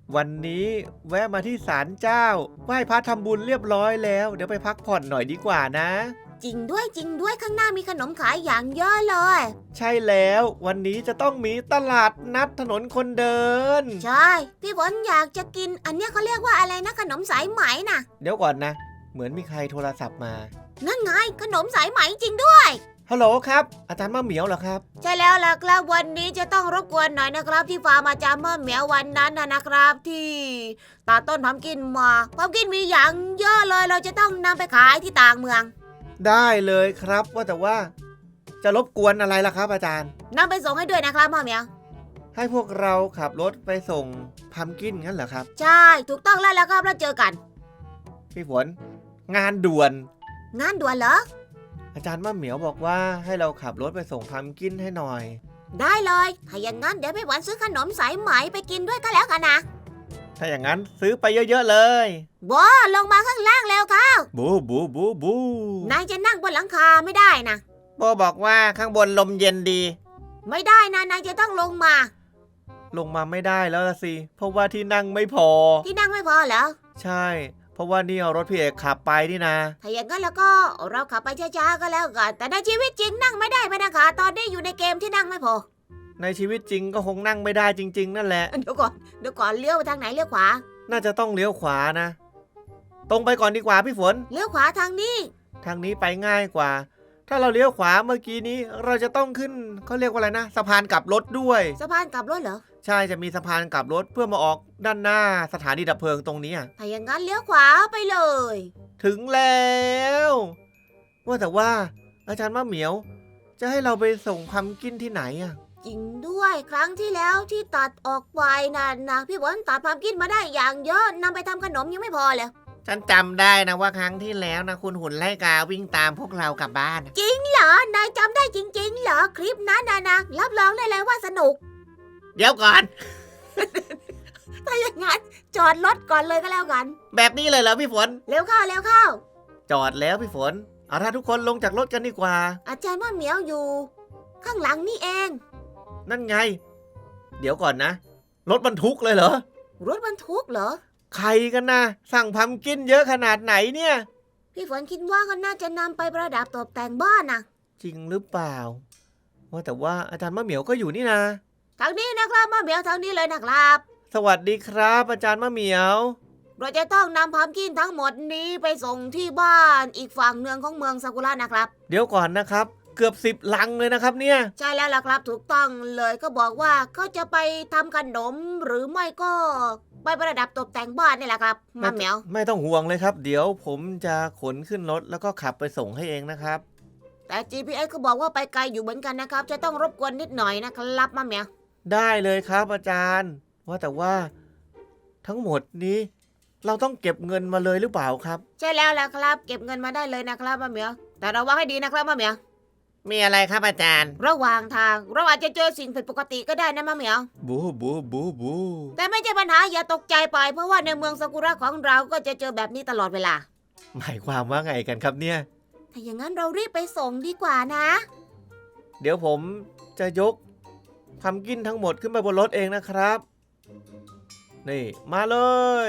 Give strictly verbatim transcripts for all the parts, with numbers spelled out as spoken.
วันนี้แวะมาที่ศาลเจ้าไหว้พระทำบุญเรียบร้อยแล้วเดี๋ยวไปพักผ่อนหน่อยดีกว่านะจริงด้วยจริงด้วยข้างหน้ามีขนมขายอย่างเยอะเลยใช่แล้ววันนี้จะต้องมีตลาดนัดถนนคนเดินใช่พี่ฝนอยากจะกินอันเนี้ยเขาเรียกว่าอะไรนะขนมสายไหมน่ะเดี๋ยวก่อนนะ เหมือนมีใครโทรศัพท์มานั่นไงขนมสายไหมจริงด้วยฮัลโหลครับอาจารย์มะเหมียวเหรอครับใช่แล้วล่ะครับวันนี้จะต้องรบกวนหน่อยนะครับที่ฟาร์มอาจารย์เมื่อเหมียววันนั้นนะนะครับที่ตัดต้นพัมกินมาพัมกินมีอย่างเยอะเลยเราจะต้องนำไปขายที่ต่างเมืองได้เลยครับว่าแต่ว่าจะรบกวนอะไรล่ะครับอาจารย์นำไปส่งให้ด้วยนะครับพ่อเหมียวให้พวกเราขับรถไปส่งพัมกินงั้นเหรอครับใช่ถูกต้องแล้วแล้วครับแล้วเจอกันพี่ฝนงานด่วนงานด่วนเหรออาจารย์มะเหมียวบอกว่าให้เราขับรถไปส่งพัมกินให้หน่อยได้เลยถ้าอย่างนั้นเดี๋ยวพี่หวันซื้อขนมสายไหมไปกินด้วยก็แล้วกันนะถ้าอย่างนั้นซื้อไปเยอะๆเลยว้าลงมาข้างล่างแล้วค่ะบูบูบูบูนายจะนั่งบนหลังคาไม่ได้นะโบบอกว่าข้างบนลมเย็นดีไม่ได้นะนายจะต้องลงมาลงมาไม่ได้แล้วล่ะสิเพราะว่าที่นั่งไม่พอที่นั่งไม่พอเหรอใช่ เพราะว่านี่เอารถพี่เอกขับไปนี่นะถ้าอย่างนั้นแล้วก็เราขับไปช้าๆก็แล้วกันแต่ในชีวิตจริงนั่งไม่ได้ไหมนะคะตอนนี้อยู่ในเกมที่นั่งไม่พอในชีวิตจริงก็คงนั่งไม่ได้จริง ๆ นั่นแหละเดี๋ยวก่อนเดี๋ยวก่อนเลี้ยวไปทางไหนเลี้ยวขวาน่าจะต้องเลี้ยวขวานะ ตรงไปก่อนดีกว่าพี่ฝนเลี้ยวขวาทางนี้ทางนี้ไปง่ายกว่า ถ้าเราเลี้ยวขวาเมื่อกี้นี้เราจะต้องขึ้นเขาเรียกว่าอะไรนะสะพานกลับรถด้วยสะพานกลับรถเหรอใช่จะมีสะพานกลับรถเพื่อมาออกด้านหน้าสถานีดับเพลิงตรงนี้อะถ้าอย่างนั้นเลี้ยวขวาไปเลยถึงแล้วว่าแต่ว่าอาจารย์มะเหมียว จะให้เราไปส่งพัมกินที่ไหนอะจริงด้วยครั้งที่แล้วที่ตัดออกไปนั่นนะพี่หวันตัดความคิดมาได้อย่างเยอะนำไปทำขนมยังไม่พอเลยฉันจำได้นะว่าครั้งที่แล้วนะคุณหุ่นไล่กาวิ่งตามพวกเรากลับบ้านจริงเหรอนายจำได้จริงๆเหรอคลิปนั้นนะนะรับรองได้เลยว่าสนุกเดี๋ยวก่อนถ้าอย่างนั้นจอดรถก่อนเลยก็แล้วกันแบบนี้เลยเหรอพี่ฝนเร็วเข้าเร็วเข้าจอดแล้วพี่ฝนเอาถ้าทุกคนลงจากรถกันดีกว่าอาจารย์ว่าเหมียวอยู่ ข้างหลังนี่เองนั่นไง เดี๋ยวก่อนนะ รถบรรทุกเลยเหรอรถบรรทุกเหรอใครกันนะสั่งพัมกินเยอะขนาดไหนเนี่ยพี่ฝนคิดว่าเขาน่าจะนำไปประดับตกแต่งบ้านนะจริงหรือเปล่า ว่าแต่ว่าอาจารย์มะเหมียวก็อยู่นี่นะทางนี้นะครับมาเหมียวทางนี้เลยนะครับสวัสดีครับ อาจารย์มะเหมียวเราจะต้องนำพัมกินทั้งหมดนี้ไปส่งที่บ้านอีกฝั่งเนืองของเมืองซากุระนะครับเดี๋ยวก่อนนะครับ เกือบสิบลังเลยนะครับเนี่ยใช่แล้วล่ะครับถูกต้องเลยก็บอกว่าเขาจะไปทำขนมหรือไม่ก็ไปประดับตกแต่งบ้านนี่แหละครับมาเหมียวไม่ต้องห่วงเลยครับ เดี๋ยวผมจะขนขึ้นรถแล้วก็ขับไปส่งให้เองนะครับแต่ จี พี เอส ก็บอกว่าไปไกลอยู่เหมือนกันนะครับจะต้องรบกวนนิดหน่อยนะครับมาเหมียวได้เลยครับอาจารย์ ว่าแต่ว่าทั้งหมดนี้ เราต้องเก็บเงินมาเลยหรือเปล่าครับใช่แล้วล่ะครับเก็บเงินมาได้เลยนะครับมาเหมียวแต่ระวังให้ดีนะครับมาเหมียวมีอะไรครับอาจารย์ระหว่างทางเราอาจจะเจอสิ่งผิดปกติก็ได้นะมาเหมียวบูบูบูบูแต่ไม่ใช่ปัญหาอย่าตกใจไปเพราะว่าในเมืองซากุระของเราก็จะเจอแบบนี้ตลอดเวลาหมายความว่าไงกันครับเนี่ยถ้าอย่างนั้นเรารีบไปส่งดีกว่านะเดี๋ยวผมจะยกพัมกินทั้งหมดขึ้นไปบนรถเองนะครับ นี่มาเลย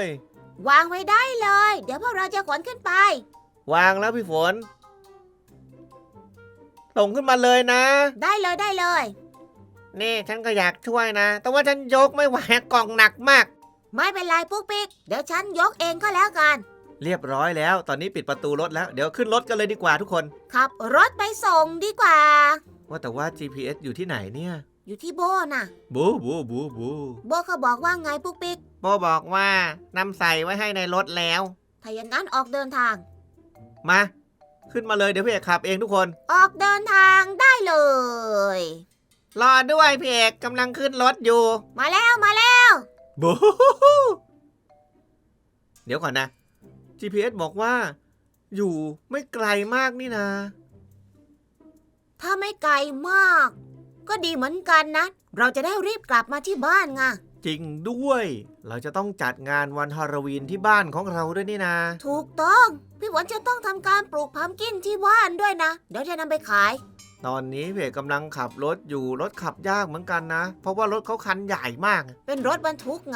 วางไว้ได้เลย เดี๋ยวพวกเราจะขนขึ้นไปวางแล้วพี่ฝนส่งขึ้นมาเลยนะได้เลยได้เลยนี่ฉันก็อยากช่วยนะ แต่ว่าฉันยกไม่ไหวกล่องหนักมากไม่เป็นไรปุ๊กปิ๊กเดี๋ยวฉันยกเองก็แล้วกันเรียบร้อยแล้ว ตอนนี้ปิดประตูรถแล้ว เดี๋ยวขึ้นรถกันเลยดีกว่าทุกคนขับรถไปส่งดีกว่าว่าแต่ว่า จี พี เอส อยู่ที่ไหนเนี่ยอยู่ที่โบน่ะบูบูบูบูโบเขาบอกว่าไงปุ๊กปิ๊กโบบอกว่านำใส่ไว้ให้ในรถแล้วถ้าอย่างนั้นออกเดินทางมา ขึ้นมาเลยเดี๋ยวพี่เอกขับเองทุกคนออกเดินทางได้เลยรอด้วยพี่เอกกำลังขึ้นรถอยู่มาแล้วมาแล้วบูเดี๋ยวก่อนนะ จี พี เอส บอกว่า อยู่ไม่ไกลมากนี่นะถ้าไม่ไกลมาก ก็ดีเหมือนกันนะ เราจะได้รีบกลับมาที่บ้านไงจริงด้วย เราจะต้องจัดงานวันฮาโลวีนที่บ้านของเราด้วยนี่นะถูกต้อง พี่หวนจะต้องทำการปลูกพัมกินที่บ้านด้วยนะ เดี๋ยวจะนำไปขายตอนนี้พี่เอกกำลังขับรถอยู่รถขับยากเหมือนกันนะ เพราะว่ารถเขาคันใหญ่มากเป็นรถบรรทุกไง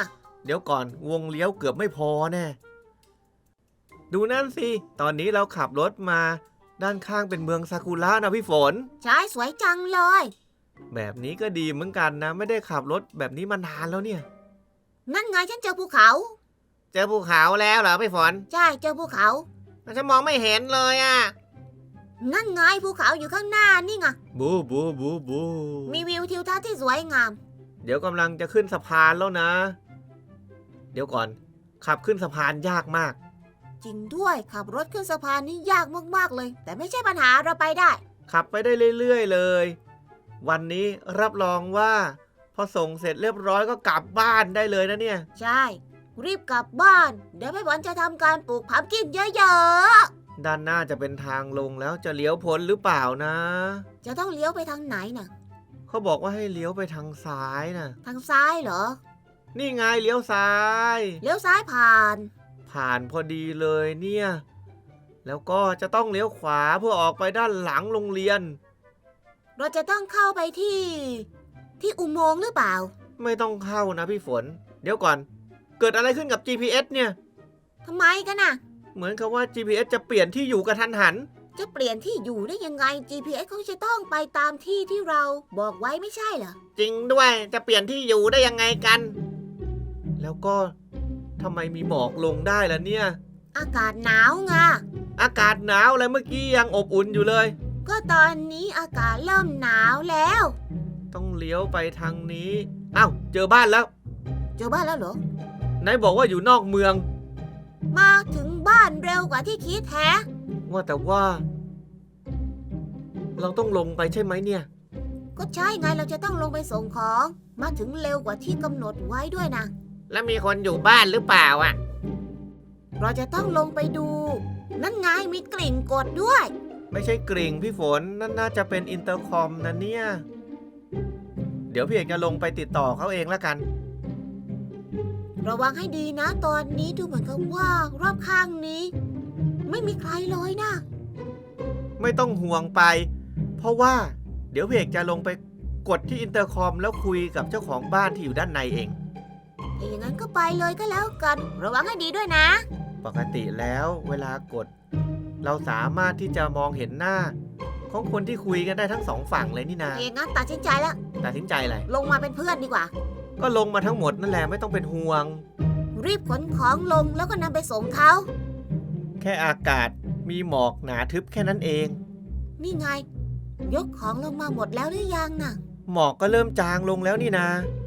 เดี๋ยวก่อนวงเลี้ยวเกือบไม่พอแน่ดูนั่นสิตอนนี้เราขับรถมาด้านข้างเป็นเมืองซากุระนะพี่ฝนใช่สวยจังเลยแบบนี้ก็ดีเหมือนกันนะไม่ได้ขับรถแบบนี้มานานแล้วเนี่ยนั่นไงฉันเจอภูเขาเจอภูเขาแล้วเหรอพี่ฝนใช่เจอภูเขาฉันมองไม่เห็นเลยอ่ะนั่นไงภูเขาอยู่ข้างหน้านี่ไงบูบูบูบูมีวิวทิวทัศน์ที่สวยงามเดี๋ยวกำลังจะขึ้นสะพานแล้วนะ เดี๋ยวก่อนขับขึ้นสะพานยากมากจริงด้วยขับรถขึ้นสะพานนี่ยากมากๆเลย แต่ไม่ใช่ปัญหาเราไปได้ขับไปได้เรื่อยๆเลย วันนี้รับรองว่าพอส่งเสร็จเรียบร้อยก็กลับบ้านได้เลยนะเนี่ยใช่ รีบกลับบ้าน เดี๋ยวพี่บอลจะทำการปลูกพัมกินเยอะด้านหน้าจะเป็นทางลงแล้วจะเลี้ยวพ้นหรือเปล่านะๆ จะต้องเลี้ยวไปทางไหนน่ะเขาบอกว่าให้เลี้ยวไปทางซ้ายนะทางซ้ายเหรอนี่ไงเลี้ยวซ้ายเลี้ยวซ้ายผ่านผ่านพอดีเลยเนี่ย แล้วก็จะต้องเลี้ยวขวาเพื่อออกไปด้านหลังโรงเรียนเราจะต้องเข้าไปที่ ที่อุโมงค์หรือเปล่าไม่ต้องเข้านะพี่ฝน เดี๋ยวก่อน เกิดอะไรขึ้นกับ จี พี เอส เนี่ยทำไมกันน่ะเหมือนกับว่า จี พี เอส จะเปลี่ยนที่อยู่กระทันหันจะเปลี่ยนที่อยู่ได้ยังไง จี พี เอส เขาจะต้องไปตามที่ที่เราบอกไว้ไม่ใช่เหรอจริงด้วยจะเปลี่ยนที่อยู่ได้ยังไงกัน แล้วก็ทำไมมีหมอกลงได้ล่ะเนี่ยอากาศหนาวไงอากาศหนาวอะไรเมื่อกี้ยังอบอุ่นอยู่เลยก็ตอนนี้อากาศเริ่มหนาวแล้วต้องเลี้ยวไปทางนี้อ้าวเจอบ้านแล้วเจอบ้านแล้วเหรอไหนบอกว่าอยู่นอกเมืองมาถึงบ้านเร็วกว่าที่คิดแฮะว่าแต่ว่า เราต้องลงไปใช่ไหมเนี่ยก็ใช่ไงเราจะต้องลงไปส่งของ มาถึงเร็วกว่าที่กำหนดไว้ด้วยนะแล้วมีคนอยู่บ้านหรือเปล่าอ่ะเราจะต้องลงไปดู นั่นไงมีกลิ่นกดด้วยไม่ใช่กริ่งพี่ฝนนั่นน่าจะเป็นอินเตอร์คอมนะเนี่ย เดี๋ยวพี่เอกจะลงไปติดต่อเขาเองละกันระวังให้ดีนะ ตอนนี้ดูเหมือนกับว่ารอบข้างนี้ ไม่มีใครเลยนะไม่ต้องห่วงไป เพราะว่า เดี๋ยวพี่เอกจะลงไปกดที่อินเตอร์คอมแล้วคุยกับเจ้าของบ้านที่อยู่ด้านในเองถ้าอย่างนั้นก็ไปเลยก็แล้วกัน ระวังให้ดีด้วยนะปกติแล้วเวลากด เราสามารถที่จะมองเห็นหน้า ของคนที่คุยกันได้ทั้งสองฝั่งเลยนี่นาถ้าอย่างนั้นตัดสินใจแล้วตัดสินใจอะไรลงมาเป็นเพื่อนดีกว่าก็ลงมาทั้งหมดนั่นแหละไม่ต้องเป็นห่วงรีบขนของลงแล้วก็นำไปส่งเขาแค่อากาศมีหมอกหนาทึบแค่นั้นเองนี่ไง ยกของลงมาหมดแล้วหรือยังน่ะหมอกก็เริ่มจางลงแล้วนี่นา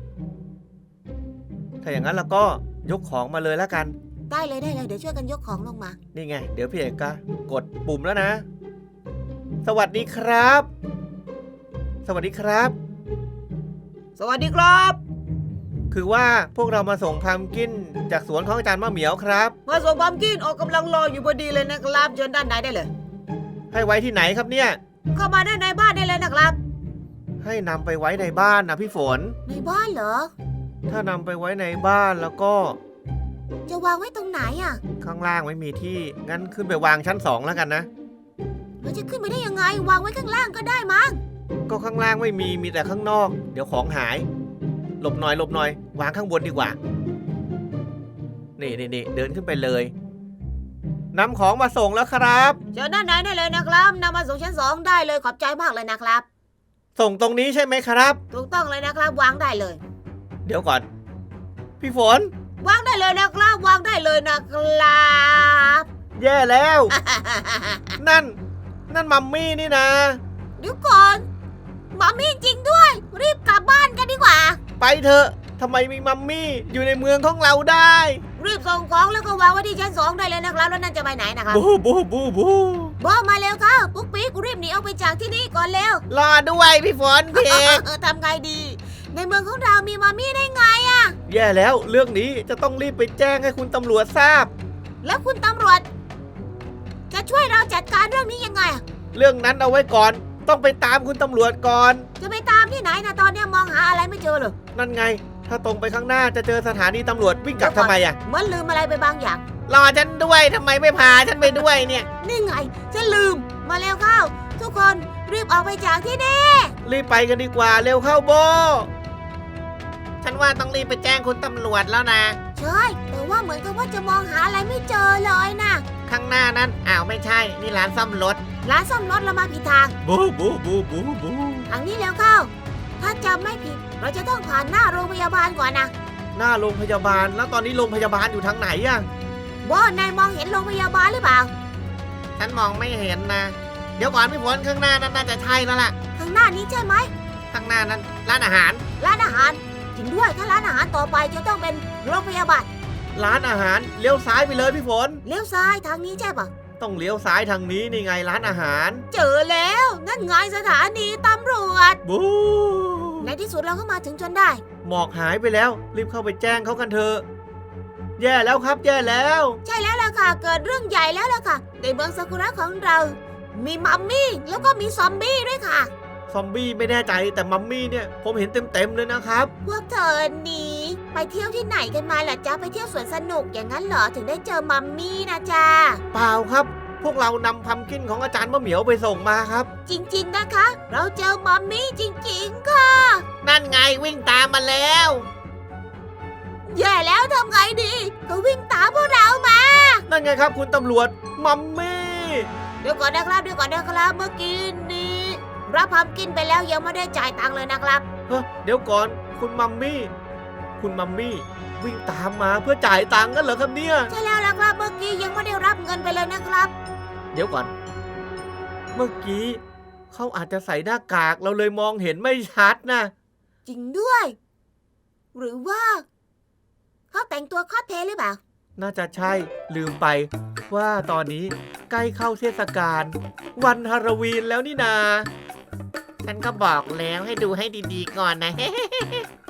ถ้าอย่างนั้นเราก็ยกของมาเลยแล้วกันได้เลยได้เลยเดี๋ยวช่วยกันยกของลงมานี่ไง เดี๋ยวพี่เอกก็กดปุ่มแล้วนะ สวัสดีครับ สวัสดีครับสวัสดีครับคือว่าพวกเรามาส่งพัมกินจากสวนของอาจารย์มะเหมียวครับมาส่งพัมกินออกกำลังรออยู่พอดีเลยนะครับเชิญด้านในได้เลยให้ไว้ที่ไหนครับเนี่ยเข้ามาด้านในบ้านได้เลยนะครับให้นำไปไว้ในบ้านนะพี่ฝนในบ้านเหรอถ้านำไปไว้ในบ้านแล้วก็จะวางไว้ตรงไหนอ่ะข้างล่างไม่มีที่ งั้นขึ้นไปวางชั้นสองแล้วกันนะเราจะขึ้นไปได้ยังไง วางไว้ข้างล่างก็ได้มั้งก็ข้างล่างไม่มี มีแต่ข้างนอก เดี๋ยวของหาย หลบหน่อยหลบหน่อย วางข้างบนดีกว่า นี่นี่นี่เดินขึ้นไปเลยนำของมาส่งแล้วครับเชิญด้านในได้เลยนะครับนำมาส่งชั้นสองได้เลยขอบใจมากเลยนะครับส่งตรงนี้ใช่ไหมครับถูกต้องเลยนะครับ วางได้เลยเดี๋ยวก่อน พี่ฝนวางได้เลยนะครับ วางได้เลยนะครับแย่แล้ว นั่น นั่นมัมมี่นี่นะเดี๋ยวก่อนมามี่จริงด้วย รีบกลับบ้านกันดีกว่าไปเถอะทำไมมีมัมมี่อยู่ในเมืองของเราได้รีบส่งของแล้วก็วางไว้ที่ชั้นสองได้เลยนะครับแล้วนั่นจะไปไหนนะครับบูบูบูบูบอกมาเร็วค่ะปุ๊กปิ๊กรีบหนีออกไปจากที่นี่ก่อนเร็วรอด้วยพี่ฝนพี่เอกเออทำไงดี ในเมืองของเรามีมามี่ได้ไงอะแย่แล้วเรื่องนี้จะต้องรีบไปแจ้งให้คุณตำรวจทราบแล้วคุณตำรวจ จะช่วยเราจัดการเรื่องนี้ยังไงอะเรื่องนั้นเอาไว้ก่อน ต้องไปตามคุณตำรวจก่อนจะไปตามที่ไหนนะตอนนี้มองหาอะไรไม่เจอเลยนั่นไง ถ้าตรงไปข้างหน้าจะเจอสถานีตำรวจวิ่งกลับทำไมอ่ะเหมือนลืมอะไรไปบางอย่างรอฉันด้วยทำไมไม่พาฉันไปด้วยเนี่ยนี่ไงฉันลืมมาเร็วเข้า ทุกคนรีบออกไปจากที่นี่รีบไปกันดีกว่าเร็วเข้าโบ ฉฉันว่าต้องรีบไปแจ้งคุณตำรวจแล้วนะใช่แต่ว่าเหมือนกับว่าจะมองหาอะไรไม่เจอเลยนะข้างหน้านั้นอ้าวไม่ใช่นี่ร้านซ่อมรถร้านซ่อมรถเรามาผิดทางบูบูบูบูบูทางนี้แล้วเข้า ถ้าจำไม่ผิด เราจะต้องผ่านหน้าโรงพยาบาลก่อนนะหน้าโรงพยาบาลแล้วตอนนี้โรงพยาบาลอยู่ทางไหนอะว่านายมองเห็นโรงพยาบาลหรือเปล่าฉันมองไม่เห็นนะ เดี๋ยวก่อนพี่ฝนข้างหน้านั้นน่าจะใช่แล้วล่ะข้างหน้านี้ใช่ไหมข้างหน้านั้นร้านอาหารร้านอาหารจริงด้วยถ้าร้านอาหารต่อไปจะต้องเป็นโรงพยาบาลร้านอาหารเลี้ยวซ้ายไปเลยพี่ฝนเลี้ยวซ้ายทางนี้ใช่ปะต้องเลี้ยวซ้ายทางนี้นี่ไงร้านอาหารเจอแล้วนั่นไงสถานีตำรวจบูในที่สุดเราก็มาถึงจนได้หมอกหายไปแล้ว รีบเข้าไปแจ้งเขากันเถอะแย่แล้วครับแย่แล้วใช่แล้วล่ะค่ะเกิดเรื่องใหญ่แล้วล่ะค่ะในเมืองซากุระของเรา มีมัมมี่แล้วก็มีซอมบี้ด้วยค่ะซอมบี้ไม่แน่ใจแต่มัมมี่เนี่ยผมเห็นเต็มๆเลยนะครับพวกเธอนี้ไปเที่ยวที่ไหนกันมาล่ะจ๊ะไปเที่ยวสวนสนุกอย่างนั้นเหรอถึงได้เจอมัมมี่นะจ๊ะเปล่าครับ พวกเรานำพัมกินของอาจารย์มะเหมียวไปส่งมาครับจริงๆนะคะ เราเจอมัมมี่จริงๆค่ะนั่นไงวิ่งตามมาแล้วแย่แล้วทำไงดีเขาวิ่งตามพวกเรามานั่นไงครับคุณตำรวจมัมมี่เดี๋ยวก่อนนะครับเดี๋ยวก่อนนะครับเมื่อกี้นี้รับพัมกินไปแล้วยังไม่ได้จ่ายตังค์เลยนะครับเฮ้ยเดี๋ยวก่อนคุณมัมมี่คุณมัมมี่วิ่งตามมาเพื่อจ่ายตังค์กันเหรอครับเนี่ยใช่แล้วล่ะครับเมื่อกี้ยังไม่ได้รับเงินไปเลยนะครับเดี๋ยวก่อน เมื่อกี้เขาอาจจะใส่หน้ากากเราเลยมองเห็นไม่ชัดนะจริงด้วย หรือว่าเขาแต่งตัวคอสเพลย์หรือเปล่าน่าจะใช่ลืมไป ว่าตอนนี้ใกล้เข้าเทศกาลวันฮาโลวีนแล้วนี่นาฉันก็บอกแล้วให้ดูให้ดีๆก่อนนะ